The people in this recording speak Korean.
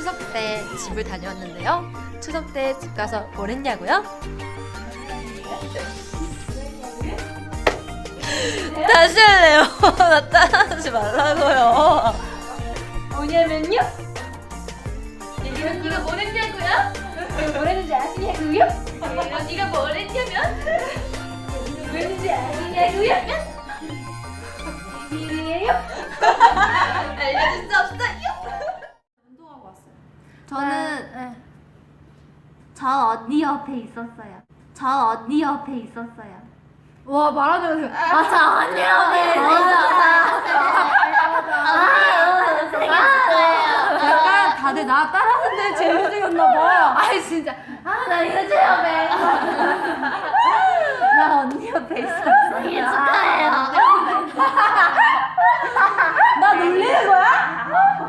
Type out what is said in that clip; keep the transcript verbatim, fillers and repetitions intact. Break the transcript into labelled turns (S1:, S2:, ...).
S1: 추석 때 집을 다녀왔는데요. 추석 때 집 가서 뭘 했냐고요? 다시 할래요. 나 따라하지 말라고요.
S2: 뭐냐면요. 예린 언니가 뭘 했냐고요? 뭘 했는지 아시냐고요? 예린 언니가 뭘 했냐면 뭘 했는지 아시냐고요? 비밀이에요? 알려줄 수 없어요. 운동하고 왔어요.
S3: 저는 네. 저 언니 옆에 있었어요. 저 언니 옆에 있었어요.
S2: 와 말하는
S3: 아, 저 언니 옆에 있었어요.
S2: 약간 다들 나 따라하는데 재밌었나봐.
S3: 아이 진짜 아나 이거 체험해. 나 언니 옆에 있었어요. 이게 축하해요.
S2: 나 놀리는 거야?